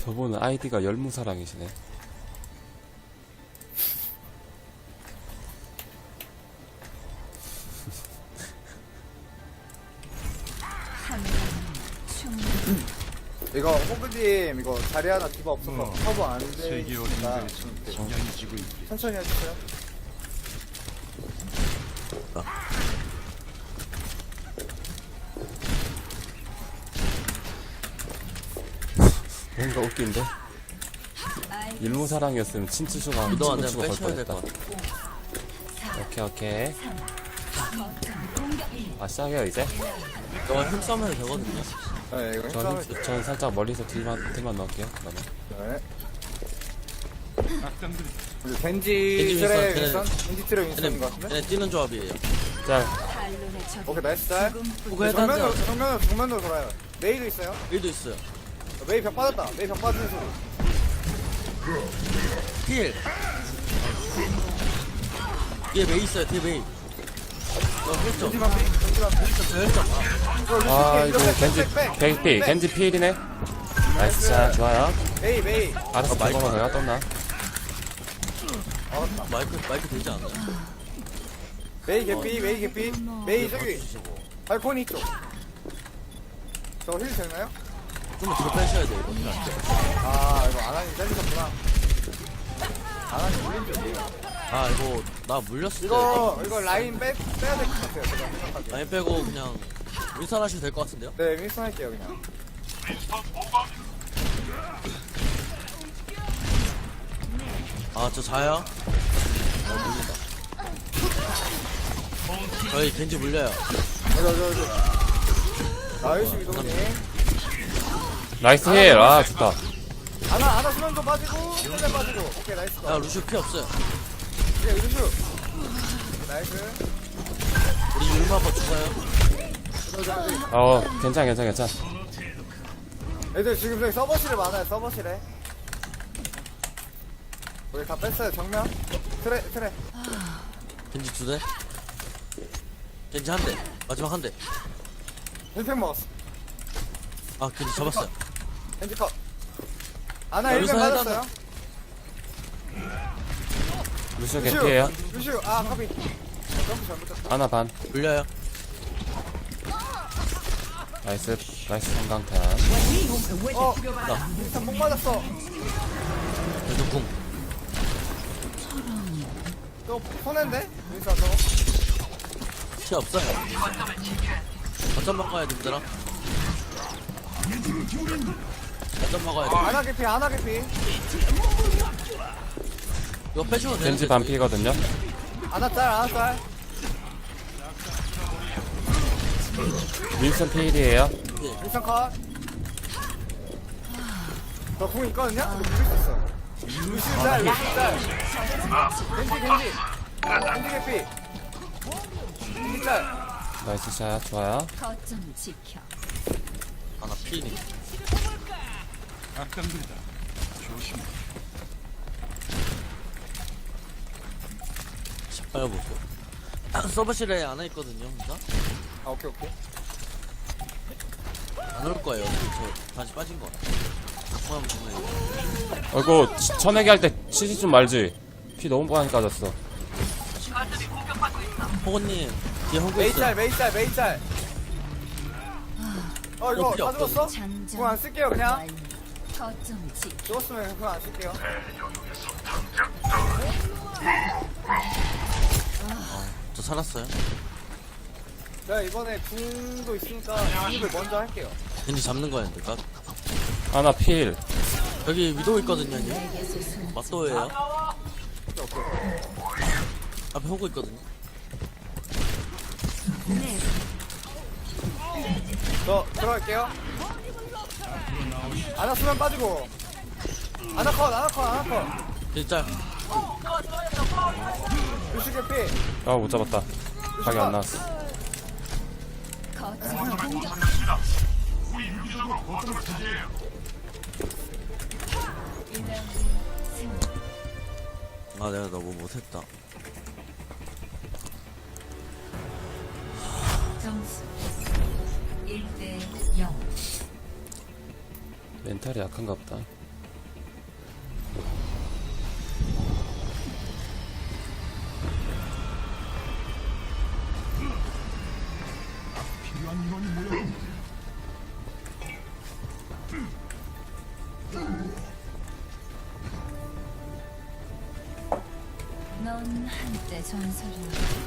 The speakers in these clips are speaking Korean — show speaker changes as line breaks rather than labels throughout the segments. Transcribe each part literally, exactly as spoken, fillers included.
저분은 아이디가 열무사랑이시네.
이거 호그님 이거 자리 하나 디바 없어서
어.
커버 안
세계
되니까
어딘가에 정량이 지고 있기.
천천히 해주세요.
뭔가 웃긴데? 일무사랑이었으면 친추수가
위도 안
친구추가
되면
걸
빼셔야 될
뻔했다.
것 같아.
오케이 오케이. 아 시작해요 이제?
이거 힘 써면 되거든요.
네 이거
저,
힘싸움.
힘- 전 살짝 멀리서 딜만, 딜만 넣을게요 그러면.
네.
악당들이
이제 겐지
겐지
트레
윈스턴,
윈스턴? 겐지 트레 윈스턴인 것
얘네,
같은데?
얘네 뛰는 조합이에요.
짤.
오케이 나이스 짤.
그거 해도
정면으로
안 돼요.
정면으로 정면으로 돌아요. 메이도 있어요.
일도 있어요.
메이 벽 빠졌다. 메이 벽 빠지는 소리.
필. 뒤에 메이 있어요. 뒤에 메이. 어, 혈점.
겐지 반피. 겐지 반피.
혈점.
이거
아
루시
이거
백,
겐지
백, 백,
겐지
백.
겐지 피일이네. 나이스 샷 좋아요.
메이 메이.
알았어
마이크.
저거만 내가 떴나?
마이크, 마이크 되지 않아요?
메이 개피 메이 개피. 메이 저기
주시고.
발코니 쪽. 저거 힐 되나요?
좀만 뒤로 빼셔야 돼요. 이거 힐안 돼.
아 이거 아나님 잘리셨구나. 아나님 물린 쪽이에요.
아, 이거 나 물렸을 때.
이거 이거 라인 빼 빼야 될 것 같아요. 제가 생각하기에.
라인 빼고 그냥 윈선 하셔도 될 것 같은데요?
네 윈스턴 할게요 그냥.
아, 저 자요? 아, 물린다. 저희 겐지 물려요.
저저 저 저. 나이스 이동님.
나이스 힐. 아 좋다.
아나 아나 수면도 빠지고 수면 빠지고. 오케이 나이스.
야, 루시오 피 없어요.
오케이 루슈. 나이스.
우리 율마 한번 죽어요.
저, 저, 저.
어 괜찮아 괜찮아 괜찮아.
애들 지금 저기 서버실에 많아요 서버실에. 우리 다 뺐어요 정면. 트레 트레.
겐지 두 대. 겐지 한 대. 마지막 한 대.
힐팩 먹었어.
아, 겐지 잡았어요.
렌지 컷. 아나
여기서
힐팩
해당-
맞았어요.
루시오 개피에요.
루슈 아 카비. 점프 잘못했다.
하나 반.
물려요.
나이스 나이스 성강탄.
어
나.
일단 목 맞았어.
계속 궁.
또 손해인데? 윈스턴 저거.
피 없어요. 거점 막아야 돼, 얘들아. 거점 막아야 돼.
아나 개피 아나 개피.
이거 빼주면 되는데.
겐지 반피거든요.
아나 짤 아나 짤.
윈슨 피일이에요.
윈스턴 컷. 저궁 있거든요? 이거 누릴 수 있어. 루슈 짤 루슈 짤. 겐지 겐지. 겐지 개피. 겐지 짤.
나이스 샷 좋아요.
거점 지켜.
아, 나 피니.
악당들이다. 조심해.
빨리 보세요. 아, 서버실에 안 와 있거든요, 혼자.
아 오케이 오케이.
안 올 거예요. 저 다시 빠진 거. 갖고 하면 정말.
어이구 치- 쳐내기 할 때 치지 좀 말지. 피 너무 많이 까졌어.
호건님, 뒤에 호구
메이
있어요.
짤 메이 짤 메이 짤. 어 이거
어, 필요
다 죽었어?
장전.
그거 안 쓸게요 그냥.
완료. 거점 지켜.
죽었으면 그거 안 쓸게요.
저 살았어요.
제가 이번에 궁도 있으니까 궁을 먼저 할게요.
겐지 잡는 거였는데, 까
하나 필.
여기 위도우 있거든요, 형님. 맞도예요.
오케이 오케이.
앞에 호구 있거든요.
저 들어갈게요. 아나 수면 빠지고. 아나 컷 아나 컷 아나 컷.
진짜
루시 개피.
아 못 잡았다. 각이 안 나왔어.
거점 공격.
아, 내가 너무 못했다.
점수 일 대 영.
멘탈이 약한가 보다.
내 전설은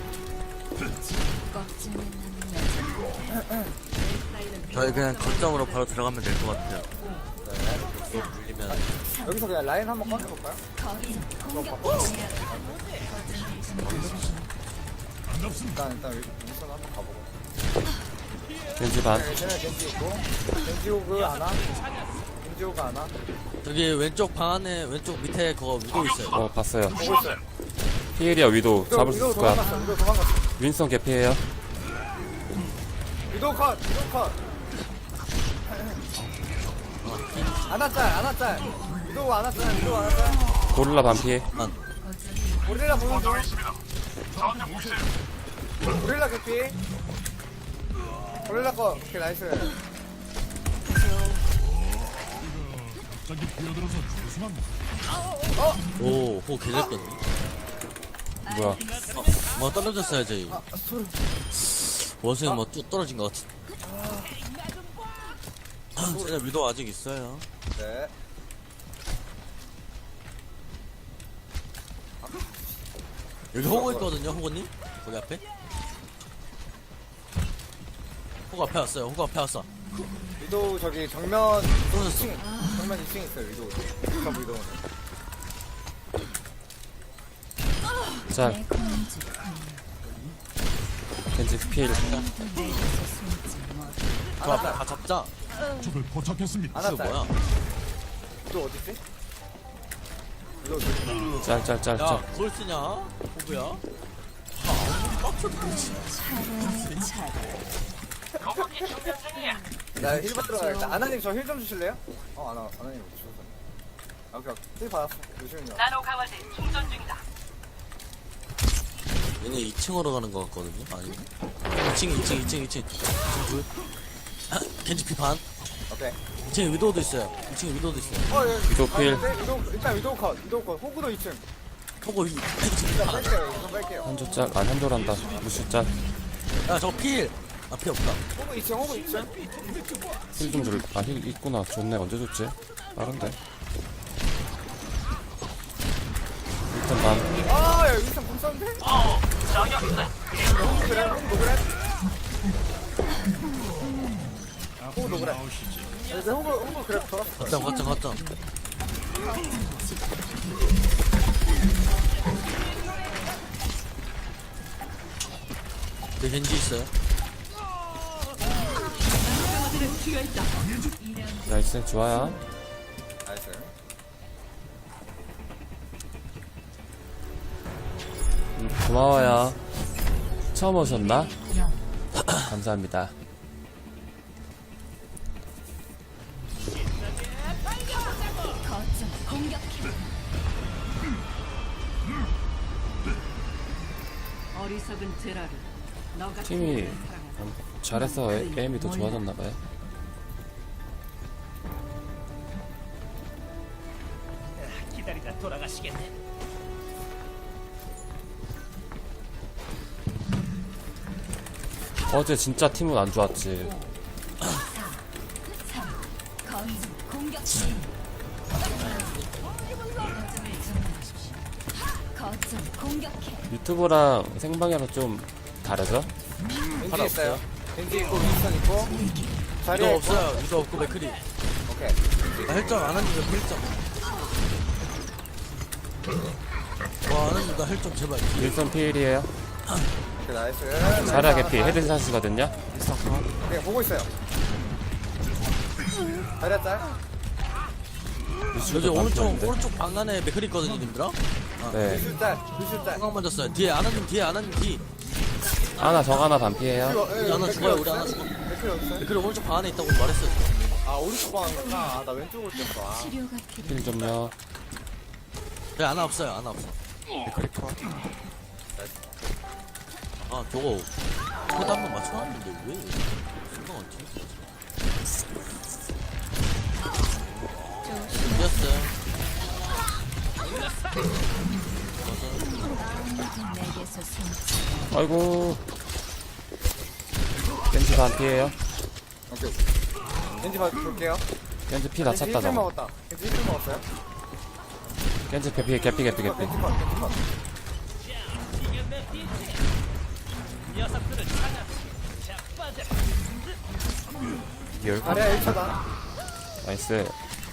껍질에 남는
저희 그냥 거점으로 바로 들어가면 될 것 같아요. 네. 물리면
여기서 그냥 라인 한번 꺼내볼까요? 일단 일단 우선 한번 가보고.
겐지 반.
네, 얘는 겐지 있고 겐지 오그 안 와? 겐지 오그 안 와?
저기 왼쪽 방 안에 왼쪽 밑에 그거 위도 있어요.
어, 봤어요.
보고 있어요.
피엘이야, 위도. 잡을 수
위도
있을 거야.
도망갔어. 위도 도망갔어.
윈선 개피해요.
위도 컷. 위도 컷. 안았짤 안았짤. 위도 안았짤. 위도 안았짤.
고릴라 반피해.
난
고릴라 보는 중. 고릴라 개피. 고릴라 거. 오케이 나이스.
갑자기 뛰어들어서 죄송합니다.
오, 호 개잘거든.
뭐야.
어, 뭐 떨어졌어요 저희.
아 소리.
원숭이 뭐 뚝 떨어진 것 같은. 쟤네 위도 아직 있어요.
네.
여기 호구 있거든요, 호구님. 거기 앞에. 호구 앞에 왔어요. 호구 앞에 왔어.
위도 저기 정면
떨어졌어.
이 층. 정면 이 층 있어요. 위도. 저 위도.
자,
내 공주
겐지 피엘.
내게서 숨지 못
저 앞에 다 잡자.
적을 포착했습니다.
이거
안았짤.
뭐야?
위도 어디 있지? 위도 어디?
짤, 짤, 짤,
야,
짤.
그걸 쓰냐? 호구야?
나 힐 받으러 가야겠다. 아나님 저 힐 좀 주실래요? 어, 아나, 아나님 주셨어. 아, 오케이, 오케이. 힐 받았어. 조심히요.
나노 강화제 충전 중이다.
얘네 이 층으로 가는 것 같거든요? 아닌가? 이 층, 이 층, 이 층, 이 층. 이 층 둘. 겐지피 반.
오케이.
이 층에 위도우도 있어요. 이 층에 위도우도 있어요.
어, 예.
위도 필.
아, 네, 위도, 일단 위도 컷, 위도 컷. 호구도 이 층.
호구 위, 이 층.
일단 뺄게요, 이거 뺄게요.
한조 짤, 아니, 한조란다. 무시 짤.
야, 저거 필! 아, 필 없다.
호구 이 층, 호구 이 층.
힐 좀 줄, 아, 힐 있구나. 좋네. 언제 줬지? 빠른데. 일단 반.
아, 야, 여기서 공 쐈는데?
어, 저기 없어.
호구 그래, 호구 그래. 호구 그래. 이제 호구, 호구 그래, 돌았어.
걷자, 걷자, 걷자. 내 겐지 있어요.
나이스, 좋아요.
나이스.
음, 고마워요. 처음 오셨나? 감사합니다.
거점 공격해
어리석은 제라를 너가
팀이
사랑한다.
음, 잘해서 에- 에임이 더 좋아졌나봐요.
기다리다 돌아가시겠네.
어제 진짜 팀은 안 좋았지.
거점 공격해 거점 공격해
유튜브랑 생방이랑 좀 다르죠?
겐지 있어요. 겐지 있고, 윈스턴 있고. 자리에
위도
있고.
없어요. 위도 없고 맥크리.
오케이.
나 헬점 안 하는데 왜 헬점? 와, 안 하는데 나 헬점 제발.
윌슨 피엘이에요.
오케이, 나이스.
자라 개피 헤드샷이거든요.
오케이, 보고 있어요. 자리야 짤.
여기
루시오도
오른쪽,
반피였는데.
오른쪽 방 안에 맥크리 있거든요, 님들아?
네.
루슈 짤. 루슈 짤.
한강 맞았어요. 뒤에 아나님, 뒤에 아나님, 뒤.
하나 정 하나 반피해요.
우리 하나 죽어요, 우리 하나 죽어.
맥클이 어딨어요?
맥크리 오른쪽 방 안에 있다고 말했어요.
아, 오른쪽 방이구나. 아, 나 왼쪽으로 뛰었어. 아.
치료가 필요해
힐 좀요.
네, 아나 없어요, 아나 없어. 아, 저거. 그래도 한번 맞춰놨는데 왜? 생각 안 튀지? 이겼어요.
아무도 내게서 숨지
아이고. 겐지 반피해요.
오케이. 겐지 봐, 볼게요.
겐지 피 다
겐지
찼다
힐
저거.
먹었다. 겐지 힐 먹었어요?
겐지 개피 개피 개피 개피.
겐지 컷, 겐지 컷.
녀석들을 찾아. 자빠져.
아니야 일 차다.
나이스.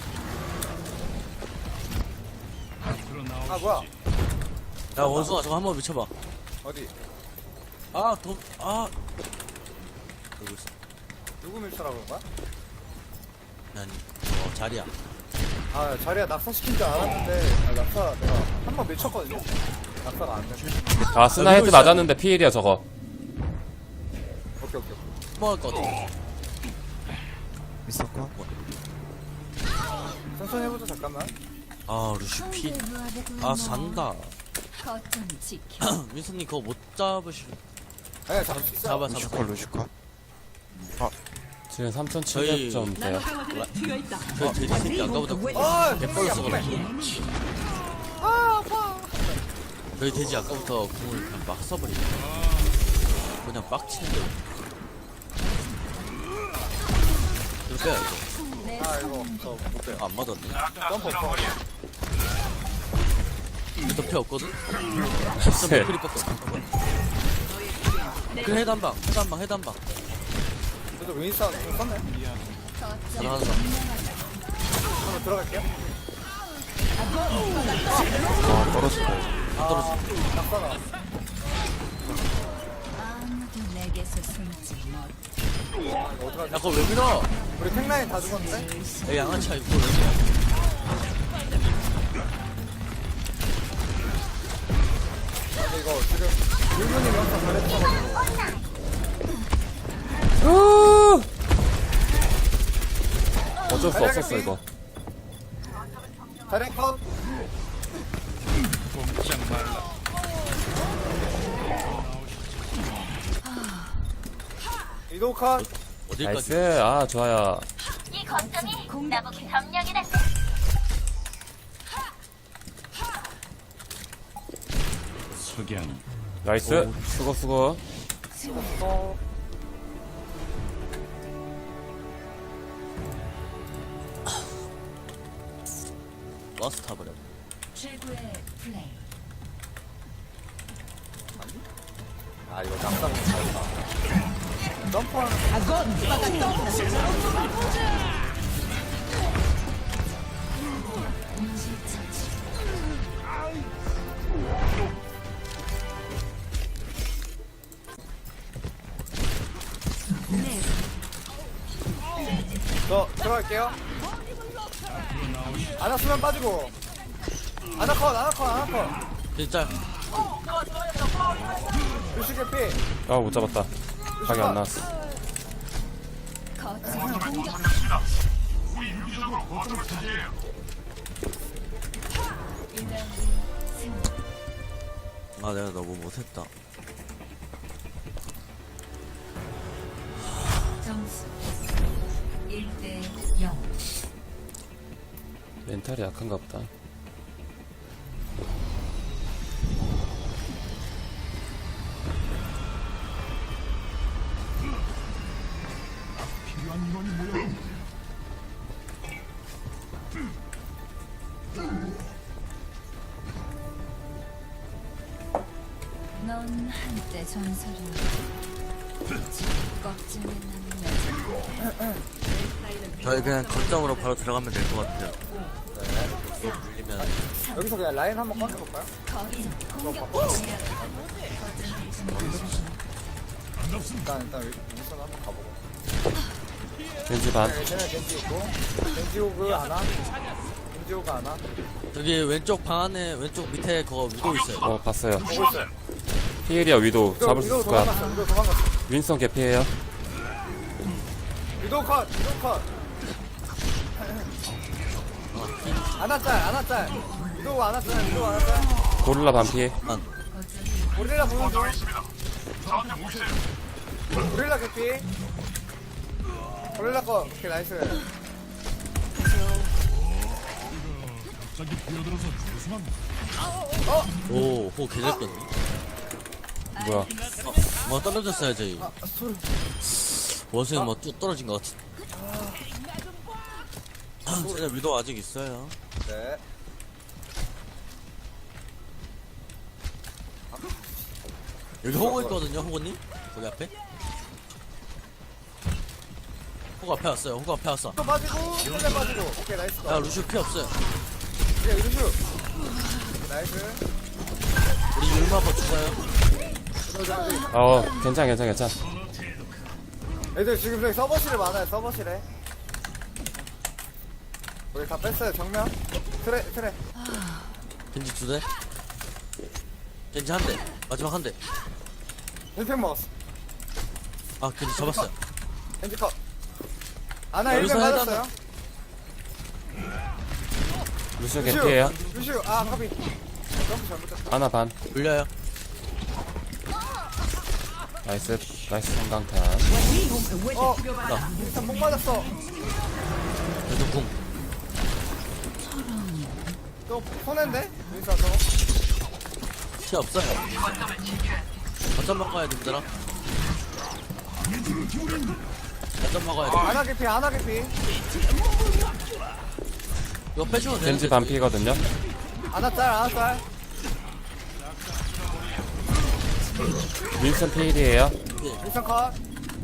아 뭐야?
야 원숭아 저거 한번 미쳐봐.
어디?
아 더 아. 여기 있어.
누구 밀쳐라고 그런 거야?
아니 어 자리야.
아 자리야 낙사 시킨 줄 알았는데 아, 낙사 내가 한 번 밀쳤거든요. 낙사가 안 돼.
아, 스나 헤드 맞았는데 피일이야, 저거.
오케이 오케이.
먹을 것 같아.
있었고
천천히 해보자 잠깐만.
아 루시 피. 아 잔다.
거점 지켜.
민수님 그거 못 잡으시.
아니야 잡을 수 있어.
잡아 잡아.
루시컷 루시컷
지금 삼천칠백 점 돼요.
강화들에 튀어 있다.
그 돼지 새끼 아까보다
아
개뻘써 그래. 저희 돼지 아까부터 궁을 그냥 막 써버리네. 그냥 빡치는데. 이거 빼야 이거.
아 이거 저못 빼요.
아, 안 맞았네.
점프 없어.
덮여 없거든?
네.
크리 뻗고. 그 해단방, 해단방, 해단방.
저도 윈스턴 좀 썼네.
거점
하나, 하나.
한번 들어갈게요.
아 떨어질 거야
안 떨어져.
낙사 나.
아무도 내게서 숨지 못.
이거 어떡하지?
야, 그거 왜 밀어?
우리 탱라인 다 죽었는데?
야, 양아치야, 이거 왜 밀어?
근데 이거 지금 일본이 영상 잘했어가지고.
어쩔 수 없었어, 이거.
다리 컷. 이도 컷.
어딜까지?
나이스. 아, 좋아요.
이 거점이 나보기 점령이다.
석양
나이스. 수고, 수고.
어.
버스 타버려.
최고의 플레이.
아 이거 낙사 못 잘했다. 점프하는. 저 들어갈게요. 아나수면 빠지고. 아나컷 아나컷 아나컷.
진짜,
루시 개피.
아, 못 잡았다. 각이 안 나왔어.
거점 공격.
아, 내가 너무 못했다.
점수 일 대 영.
멘탈이 약한가 보다.
필요한 인원이 모여
넌 한때 전설이었다. 껍질에 남는
저희 그냥 거점으로 바로 들어가면 될 것 같아요. 이거 물리면.
여기서 그냥 라인 한번 꺼내볼까요?
거점 공격.
일단 일단 윈선 한번 가보고.
겐지 반.
네, 쟤네 겐지 있고 겐지 오그 하나 겐지 오그 하나
여기 왼쪽 방 안에, 왼쪽 밑에 그거 위도 있어요.
어, 봤어요.
보고 있어요.
피일이야, 위도.
위도
잡을 수
위도
있을 거야.
도망갔어 위도 도망갔어.
윈선 개피해요.
위도 컷 위도 컷 아나짤 아나짤 위도 아나짤 위도 아나짤
고릴라 반피.
고릴라 보는 중 고릴라 개피 고릴라 컷 오케이 나이스.
갑자기 뛰어들어서 죄송합니다.
오, 호 개잘렸네.
뭐야.
어, 뭐 떨어졌어요, 저희.
아 소리.
원숭이 뭐 뚝 떨어진 것 같은. 쟤네 위도 아직 있어요.
네.
여기 호구 있거든요, 호구님? 거기 앞에? 호구 앞에 왔어요. 호구 앞에 왔어.
또 빠지고 힐맨 빠지고. 오케이 나이스
야
거.
루시오 피 없어요.
오케이 루슈. 오케이, 나이스.
우리 율마 한번 죽어요.
그러자 우리.
어 괜찮아 괜찮아 괜찮아.
애들 지금 저기 서버실에 많아요 서버실에. 우리 다 뺐어요 정면. 트레 트레.
겐지 두 대. 겐지 한 대. 마지막 한 대.
힐팩 먹었어.
아 겐지 잡았어요.
겐지 컷. 아나
여기서
힐팩
해도
맞았어요.
루시오 개피에요.
루슈 아 카비. 점프 잘못했다.
하나 반.
물려요.
나이스 나이스 성강탄.
어. 일단 목 맞았어.
그래도 궁.
또 손해인데? 인사 저거.
피 없어요. 거점 먹어야 돼, 얘들아. 거점 먹어야 돼.
아나 개피 아나 개피.
이거 빼주면 되는데.
겐지 반피거든요.
아나 짤 아나 짤.
윈슨 필이에요.
일선 컷.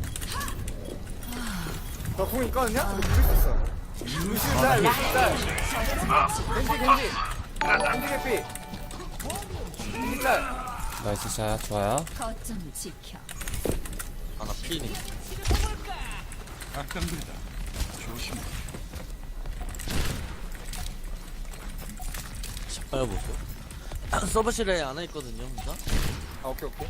저궁 있거든요? 근데 죽일 수 있어. 루시 짤 루시 짤. 겐지 겐지. 겐지 개피. 겐지 짤.
나이스 샷 좋아요.
거점을 지켜.
아나 피니.
악당들이다. 조심해.
빨리 보세요. 서버실에 안와 있거든요, 혼자.
아 오케이 오케이.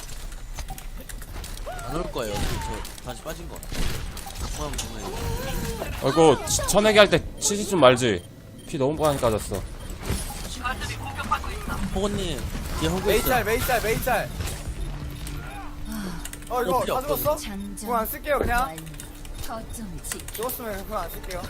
안 올 거예요. 저 다시 빠진 거. 포함 정말.
어이구 치- 쳐내기 할 때 치지 좀 말지. 피 너무 많이 까졌어.
호건님 뒤에 호구
메이
있어요.
짤 메이 짤 메이 짤. 어 이거
어, 필요
다 죽었어?
장전.
궁 안 쓸게요 그냥.
완료. 거점을 지켜.
죽었으면 궁 안 쓸게요.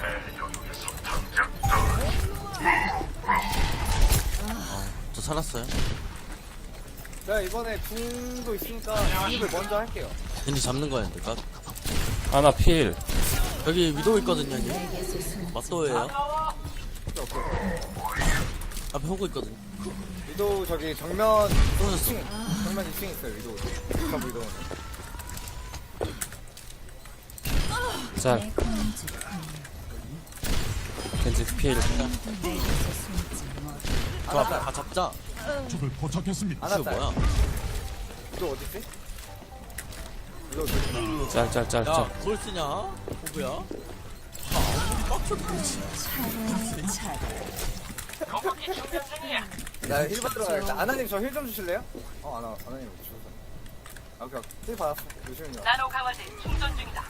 저 살았어요.
제가 이번에 궁도 있으니까 궁을 먼저 할게요.
겐지 잡는 거였는데. 까
하나 필.
여기 위도우 있거든요, 형님.
내게서 숨.
맞도예요.
오케이 오케이.
앞에 호구 있거든요.
위도우 저기 정면
떨어졌어.
이 층 정면 이 층 있어요 위도우. 저 위도우.
자
내 공주
겐지 필.
내게서 숨지 못.
저 앞에 다 잡자.
적을 포착했습니다.
아나
이거
짤.
뭐야?
위도우 어딨지? 위도우 저기.
짤짤짤
야,
짤.
그걸 쓰냐? 호구야? 아, 빡쳤지.
차례 차례.
나 힐 받으러 가야겠다. 아나님 저 힐 좀 주실래요? 어 아나 아나님 주셔서. 아 오케이 오케이. 힐 받았어. 요즘은요.
나노 강화제 충전 중이다.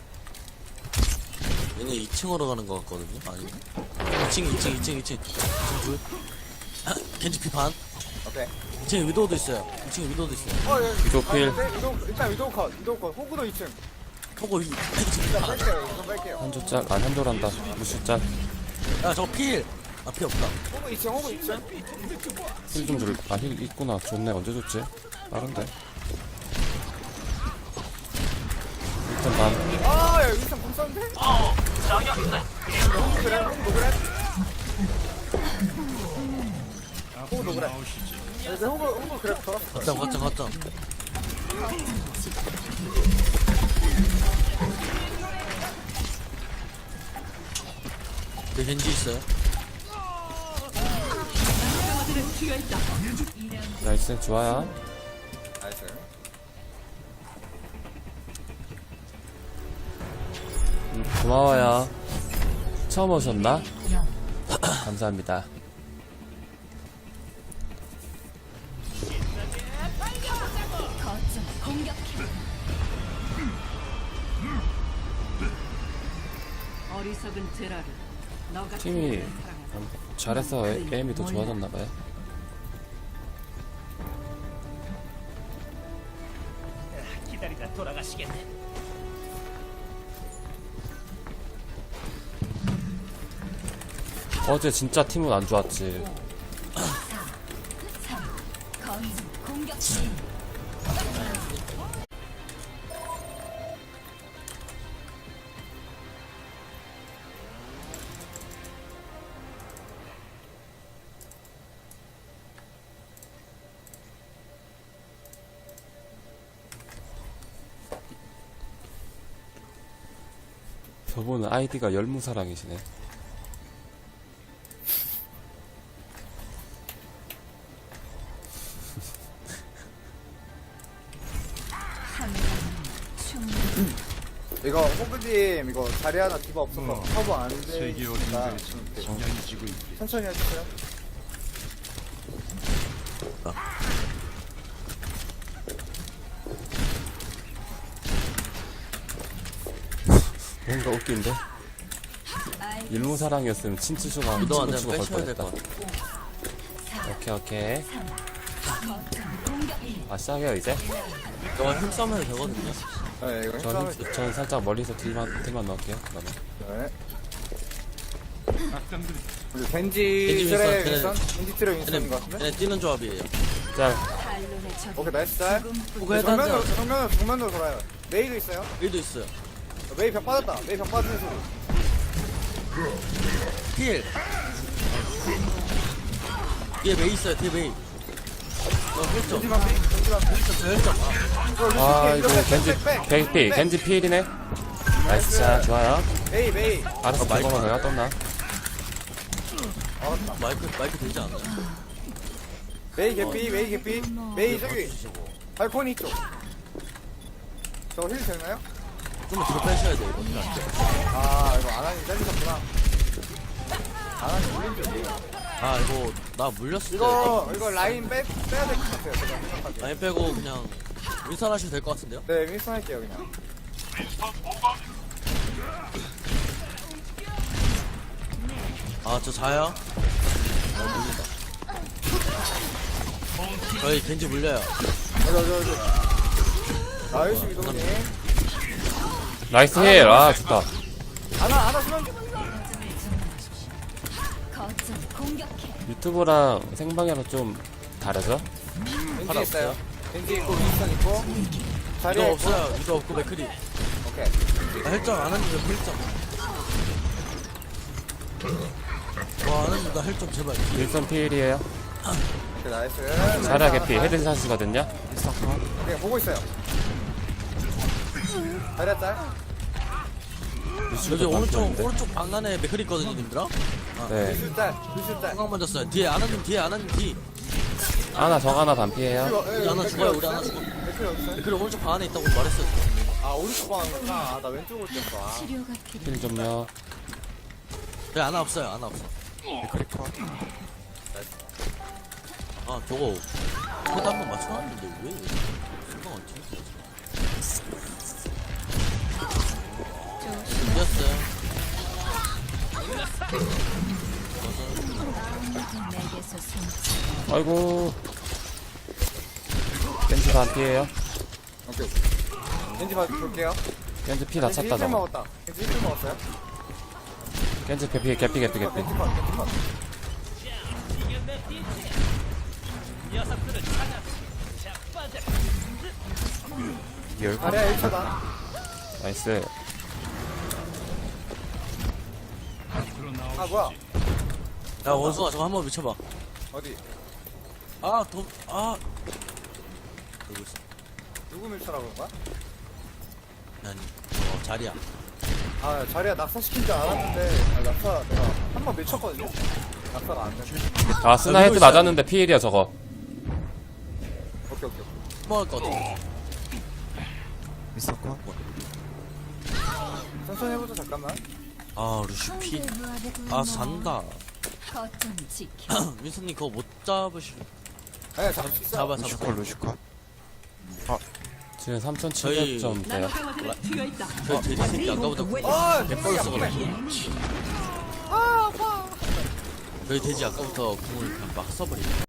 얘네 이 층으로 가는 거 같거든요? 아니. 이 층, 이 층, 이 층, 이 층. 이 층 둘. 겐지 피반.
오케이.
이 층에 위도우도 있어요. 이 층에 위도우도 있어요.
어 여기.
위도우 필.
아, 근데 위도우 일단 위도우 컷. 위도우 컷. 호구도 이 층.
호구 위.
일단 뺄게요. 이거 뺄게요.
한조 짤. 아 한조란다. 루시 짤.
야, 저거 필! 아, 필 없다.
호구 이 층. 호구 이 층.
힐 좀 줄. 아 힐 있구나. 좋네. 언제 줬지? 빠른데. 일단 반.
아야 일단 공 썼는데?
어, 저격.
호구 그래. 호구 그래. 호구 그래.
나오시지.
근데 호구 호구 그래. 돌았어.
걷점, 걷점, 걷점. 그 겐지 있어요.
강화제는 튀어 있다.
나이스 좋아요.
나이스.
음, 고마워요. 처음 오셨나? 감사합니다.
거점 공격해.
어리석은 제라를. 너가
팀이 잘해서 에- 에임이 더 좋아졌나봐요.
기다리다 돌아가시겠네.
어제 진짜 팀은 안 좋았지.
거점 공격.
저분은 아이디가 열무사랑이시네.
충분히
이거 호그님 이거 자리 하나 디바 없어서
어.
커버 안
세계
되니까
어딘가에서
좀
성향이 지고 있게.
천천히 해주세요.
뭔가 웃긴데? 일무사랑이었으면 친추수가 한
이동 안
친구가
되면
걸
빼셔야 될
뻔했다.
것 같아.
오케이 오케이.
거점 공격
아 시작해요 이제?
이거 힘싸움 해도 되거든요.
네 이거
저,
힘싸움을
힘- 저는 살짝 멀리서 딜만, 딜만 넣을게요. 그러면.
네.
악당들이
우리
겐지
겐지
윈스턴,
트레
걔네-
윈스턴? 겐지 트레 윈스턴인
얘네,
것 같은데?
얘네 뛰는 조합이에요.
짤.
반론의 적
오케이 나이스 짤.
그거 해도 안
정면으로
돼요.
정면으로 정면으로 돌아요. 메이도 있어요.
일도 있어요.
메이 벽 빠졌다. 메이 벽 빠지는 소리.
힐. 뒤에 메이 있어요. 뒤에 메이. 어, 힐점.
겐지만 피. 겐지만 피.
저 힐점.
아 이거
백,
겐지
백, 백,
겐지
백.
겐지 필이네. 나이스 자 좋아요.
메이 메이.
알았어
마이크.
저거만 내가 떴나?
마이크, 마이크 되지 않아요?
메이 개피 메이 개피. 메이 저기 발코니 쪽. 저거 힐 되나요?
좀 뒤로 빼셔야 돼요. 이거.
아 이거 아나님 잘리셨구나. 아나님 물린 줄 이해가.
아, 이거, 나 물렸을 때.
이거 이거 라인 빼 빼야 될 것 같아요. 제가 생각하기에.
라인 빼고 그냥 윈선하시면 될 것 같은데요?
네 윈스턴 할게요 그냥.
아, 저 자요? 어, 물린다. 저희 겐지 물려요.
저저 저. 저. 나이스 이동님.
나이스 힐. 아 좋다.
아나 아나 수면.
거점 공격해
유튜브랑 생방이랑 좀 다르죠?
겐지 있어요. 겐지 있고 윈스턴 있고. 자리에
이거
있고.
없어요. 이거 없고 맥크리.
오케이.
나 헬점 안 했는데 헬점. 와, 안 했는데 헬점 제발.
일선 필이에요.
오케이 나이스.
자라 개피 헤드샷이거든요.
네 보고 있어요. 자리에 짤.
여기 오른쪽 오른쪽 방안에 맥크리 있거든요, 님들아.
네.
루슈 짤. 루슈 짤.
생각 먼저어요 뒤에 아나님 뒤에 아나님 뒤.
하나 정 하나 반피해요.
우리 하나 죽어요. 우리 하나 죽어.
맥클 어딨어요?
맥크리 오른쪽 방 안에 있다고 말했어요.
아 오른쪽 방이구나. 아, 나 왼쪽으로 뛰었어. 아.
치료가 필요
힐 좀요.
네, 아나 없어요. 아나 없어. 아, 저거 헤드 한번 맞춰놨는데 왜 생각 안 튀지? 이겼어요.
내게서 숨지
아이고. 겐지 반피해요.
오케이. 겐지 봐 볼게요.
겐지 피 다 찼다
겐지 힐
저거.
먹었다. 겐지 힐 먹었어요?
겐지 개피 개피 개피 개피.
겐지 컷. 겐지 컷.
열고.
자리야 일 차다.
나이스.
아 뭐야?
야, 원수아 저거 한번 미쳐봐.
어디?
아, 더, 아. 여기 있어.
누구 밀쳐라 그런 거야?
아니, 어, 자리야.
아 자리야 낙사 시킨 줄 알았는데 아, 낙사 내가 한 번 밀쳤거든요. 낙사가 안 됐네.
아 스나 헤드 맞았는데 피일이야 저거.
오케이 오케이.
먹을 거 같아.
천천히 해보자 잠깐만.
아, 루시피. 아, 산다.
거점 지켜
윈스님 그거 못 잡으실.
네 잡을 수 있어.
잡아, 잡아.
루시카.
지금 삼천칠백 점 돼요.
나노 강화들은 튀어 있다.
저 돼지 새끼 아까부터
아
개뻘로 써가지고. 저희 돼지 아까부터 궁을 그냥 막 써버리네.